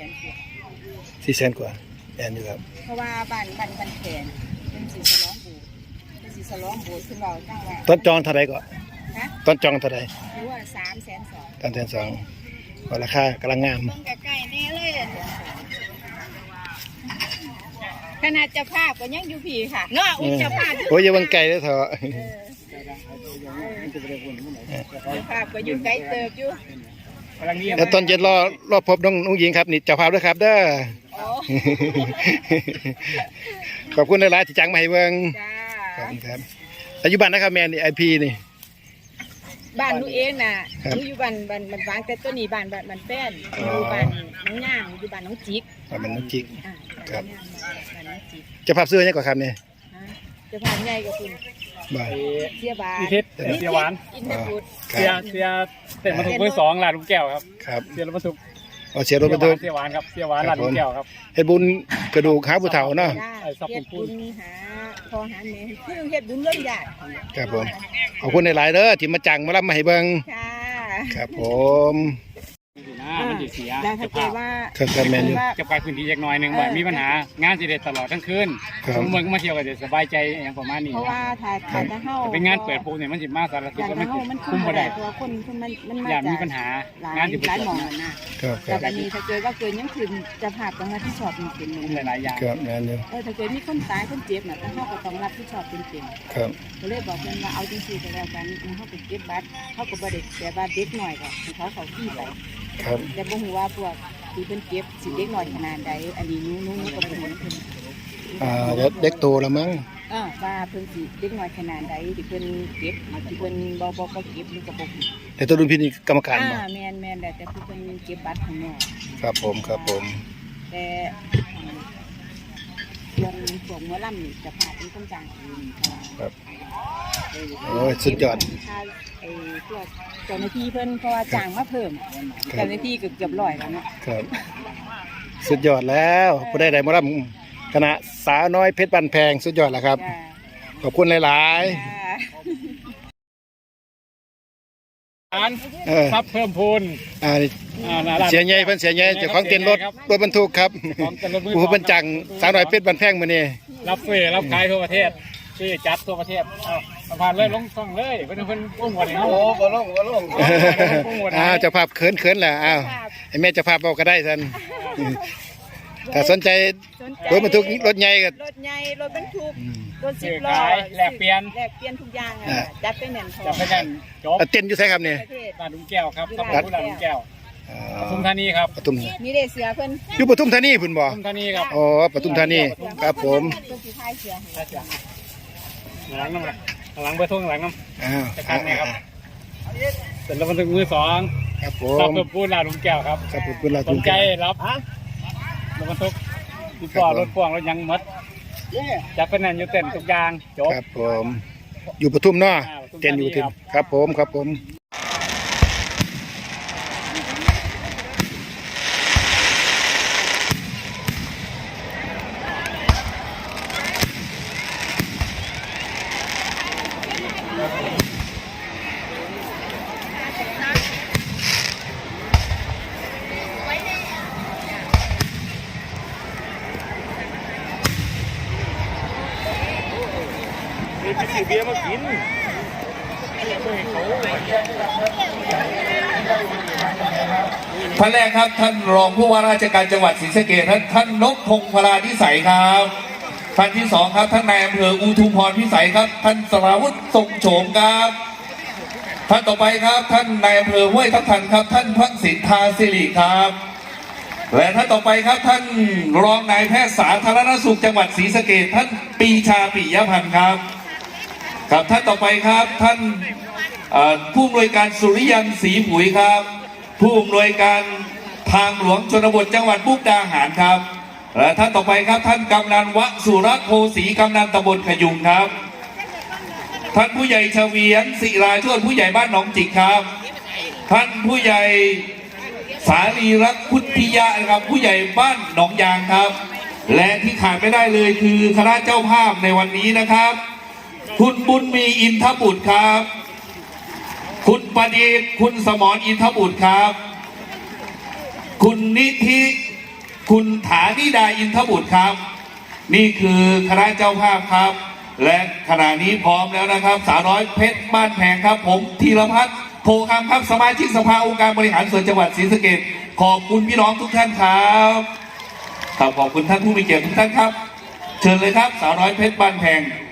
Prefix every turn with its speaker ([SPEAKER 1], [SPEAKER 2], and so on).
[SPEAKER 1] 400,000 กว่าแอนอยู่ครับ
[SPEAKER 2] เพราะว่าบ้านแขนเป็นสีสล้องบูขึ้นเราตั้งว่า
[SPEAKER 1] ต้นจองเท่าไรก่อนต้นจองเท่าไร
[SPEAKER 2] หรือว่า320,000
[SPEAKER 1] 320,000ก็ราคากำลังงาม
[SPEAKER 2] ต้องใกล้ๆแน่เลยขนาดเจ้าภาพก็ยังอยู่ผีค่ะเนาะอุ้ยเจ้าภาพ
[SPEAKER 1] โอ้ยอย่าบังไกลเลยเถอะ
[SPEAKER 2] เจ้าภาพก็อยู่ไกลเติบอยู่
[SPEAKER 1] แล้วตอนเย็นรอพบน้องหญิงครับนี่เจ้าภาพด้วยครับเด้อขอบคุณหลายๆที่จังมาให้เบิ่งขอบคุณครับปัจจุบันนะครับแมนนี่ไอพีนี่
[SPEAKER 2] บ้านหนูเองน่ะหนูอยู่บ้านวางแต่ตัวนี้บ้านแป้นอยู่บ้านน้องย่างอยู่บ้านน้องจิก
[SPEAKER 1] บ้านน้องจิกครับ
[SPEAKER 2] บ้านน้องจิก
[SPEAKER 1] เจ้าภาพซื้อยังก่อนครับเนี่ย
[SPEAKER 2] เจ้าภาพใหญ่กับคุณเสียบาน
[SPEAKER 3] เสียหวานเสียเต็มมาถูกเบอร์2ลาดลูกแก้วครับเสียรถบรรทุก
[SPEAKER 1] เสียรถบรรทุก
[SPEAKER 3] เสียหวานครับเสียหวานลาดลูกแก้วครับ
[SPEAKER 1] เฮ็ดบุญกระดูกหาผู้เฒ่าเนาะ
[SPEAKER 2] เฮ็ดบุญหาพ่อหาแม่คือเฮ็ดบุญเรื่องญาติ
[SPEAKER 1] ครับผมขอบคุณหลายๆเด้อที่มาจังมารับมาให้เบิ่งครับผม
[SPEAKER 3] มันจะเสีย
[SPEAKER 2] จะพาว่า
[SPEAKER 3] จะไปพื้นที่เล็กน้อยนึงบ่มีปัญหางานสิเด็ดตลอดทั้งคืนเมืองมาเที่ยวก็จะสบายใจอย่างประมาณนี้
[SPEAKER 2] เพราะว่าถ่ายจะเฮา
[SPEAKER 3] เป็นงานเปิดปูเนี่ยมันสิมาสารทิศก็มันคุ้มบ่ได้
[SPEAKER 2] ตัวคนมัน
[SPEAKER 3] อย่ามีปัญหางานสิ
[SPEAKER 2] หลายหม่องนะครับแต่อันนี้ถ้าเกิดว่าเกิดยังคืนจะผ่าต้องรับผิดชอบเป็น
[SPEAKER 3] หลายอย่าง
[SPEAKER 1] ครับนั่นอยู่
[SPEAKER 2] ถ้าเกิดมีคนตายคนเจ็บน่ะเฮาก็ต้องรับผิดชอบเป็น
[SPEAKER 1] ครับ
[SPEAKER 2] ก็เลยบอกเพิ่นว่าเอาจังซี่ก็แล้วกันเฮาไปเก็บบัตรเฮาก็บ่ได้แต่ว่าเด็กน้อยก็เขาขี้ไป
[SPEAKER 1] ครับ
[SPEAKER 2] แต่บ่ฮู้ว่าพวกที่เพิ่นเก็บสิเด็กน้อยขนาดใดอันนี้หนูก็บ่รู้เพิ่น
[SPEAKER 1] เด็กโตแล้วมั้ง
[SPEAKER 2] ว่าเพิ่นสิเด็กน้อยขนาดใดที่เพิ่นเก็บที่เพิ่นบ่เก็บหรือก็บ่
[SPEAKER 1] แต่ตัวรุ่นพี่นี่กรรมการบ่
[SPEAKER 2] แม่นแต่ผู้เพิ่นเก็บบัตรข้างนอก
[SPEAKER 1] ครับผม
[SPEAKER 2] แต่วงหมอลำนี่จะพาเป็นคนจ้าง
[SPEAKER 1] ครับโอ้ยสุดยอด
[SPEAKER 2] พวกเจ้าหน้าที่เพิ่นเพราะว่าจ้างมาเพิ่มเจ้าหน้าที่เกือบ100แล้วเนาะ
[SPEAKER 1] ครับสุดยอดแล้วผู้ใดหมอลำคณะสาวน้อยเพชรบ้านแพงสุดยอดแล้วครับขอบคุณหลายๆ
[SPEAKER 3] ทรัพย์เพิ่มพูน
[SPEAKER 1] เสียใหญ่เพิ่นเสียใหญ่เจ้าของเต็นรถบรรทุกครับผู้บรรจังสาวน้อยเพชรบ้านแพงมื้อนี้
[SPEAKER 3] รับเฟรรับขายทั่วประเทศที่จัดทั่วประเทศผ่านเลยลงช่องเลยเพิ่นอุ้มวันนี้
[SPEAKER 1] โอ้บ่ลงเจ้าภาพเขินแหละไอ้แม่เจ้าภาพบอกก็ได้ท่านถ้าสนใจรถบรรทุกรถใหญ่ก็
[SPEAKER 2] รถใหญ่รถบรรทุกรถ10 ล้อ
[SPEAKER 3] แลกเปลี่ยน
[SPEAKER 2] ทุกอย่างจัดไปแน่น
[SPEAKER 3] จบ
[SPEAKER 1] เต้นอยู่ไสครับนี่
[SPEAKER 3] บ้านลุงแก้วครับครับบ้านลุงแก้วปทุมธานีครับ
[SPEAKER 1] ปทุม
[SPEAKER 2] มีได้เสือเพิ่น
[SPEAKER 1] อยู่ปทุมธานีพุ่นบ่
[SPEAKER 3] ปทุมธานีครับ
[SPEAKER 1] อ๋อปทุมธานีครับผม
[SPEAKER 3] หลังน้ำหลังเบอร์ทุ่งหลังน้ำจะคันนี่ครับเสร็จแล้วมันถึงมือ2
[SPEAKER 1] ครับผ
[SPEAKER 3] มครับพูดลาลุงแก้วครับ
[SPEAKER 1] ครับพูดลาลุ
[SPEAKER 3] งแก้วรับรถบรรทุกรถพ่วงรถยังมัดจับเป็นนั่นอยู่เต้นทุกอย่างจบ
[SPEAKER 1] ครับผมอยู่ปทุมเนาะเต้นอยู่ที่ครับผม
[SPEAKER 3] ไปซื้อเบียร์มากิน
[SPEAKER 4] ท่านแรกครับท่านรองผู้ว่าราชการจังหวัดศรีสะเกษท่านนพพงศ์พลาพิสัยครับท่านที่2ครับท่านนายอำเภออุทุมพรพิสัยครับท่านสราวุฒิทรงโฉมครับท่านต่อไปครับท่านนายอำเภอห้วยทับทันครับท่านพักสินทาสิริครับและท่านต่อไปครับท่านรองนายแพทย์สาธารณสุขจังหวัดศรีสะเกษท่านปีชาปิยพันธ์ครับครับท่านต่อไปครับท่านผู้อำนวยการสุริยันศรีผุยครับผู้อำนวยการทางหลวงชนบทจังหวัดมุกดาหารครับและท่านต่อไปครับท่านกำนันวสุรโคสีกำนันตำบลขยุงครับท่านผู้ใหญ่เฉวียนศิราชวนผู้ใหญ่บ้านหนองจิกครับท่านผู้ใหญ่สารีรักพุทธิยะนะครับผู้ใหญ่บ้านหนองยางครับและที่ขาดไม่ได้เลยคือคณะเจ้าภาพในวันนี้นะครับคุณบุญมีอินทบุตรครับคุณประดิษฐ์คุณสมรอินทบุตรครับคุณนิธิคุณฐานิดาอินทบุตรครับ นี่คือคณะเจ้าภาพครับ และขณะนี้พร้อมแล้วนะครับสาวน้อยเพชรบ้านแพงครับ ผมธีรพัฒน์โพคำครับสมาชิกสภาองค์การบริหารส่วนจังหวัดศรีสะเกษขอบคุณพี่น้องทุกท่านครับขอบคุณท่านผู้มีเกียรติทุกท่านครับ เชิญเลยครับสาวน้อยเพชรบ้านแพง